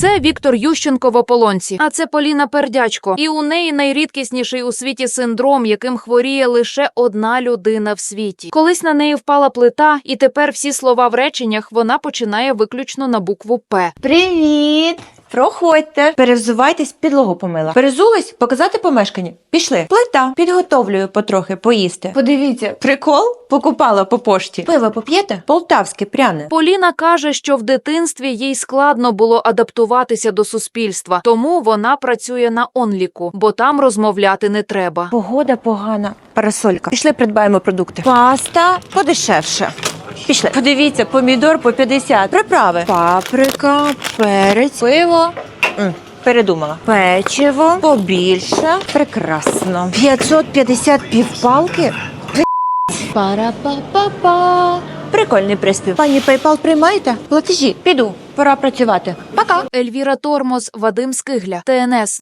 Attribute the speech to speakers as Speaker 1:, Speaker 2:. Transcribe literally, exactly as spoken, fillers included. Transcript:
Speaker 1: Це Віктор Ющенко в ополонці, а це Поліна Пердячко. І у неї найрідкісніший у світі синдром, яким хворіє лише одна людина в світі. Колись на неї впала плита, і тепер всі слова в реченнях вона починає виключно на букву «П».
Speaker 2: Привіт! Проходьте. Перевзувайтесь, підлогу помила. Перезулись? Показати помешкання? Пішли. Плита. Підготовлюю потрохи поїсти. Подивіться. Прикол? Покупала по пошті. Пиво поп'єте? Полтавське, пряне.
Speaker 1: Поліна каже, що в дитинстві їй складно було адаптуватися до суспільства, тому вона працює на онліку, бо там розмовляти не треба.
Speaker 2: Погода погана. Парасолька. Пішли придбаємо продукти. Паста подешевше. Пішли. Подивіться, помідор по п'ятдесят. Приправи. Паприка, перець, пиво. М, передумала. Печиво побільше. Прекрасно. п'ятсот п'ятдесят півпалки. Пара-па-па-па. Прикольний приспів. Пані PayPal приймаєте? Платежі. Піду. Пора працювати. Пока.
Speaker 1: Ельвіра Тормоз, Вадим Скигля, ТНС.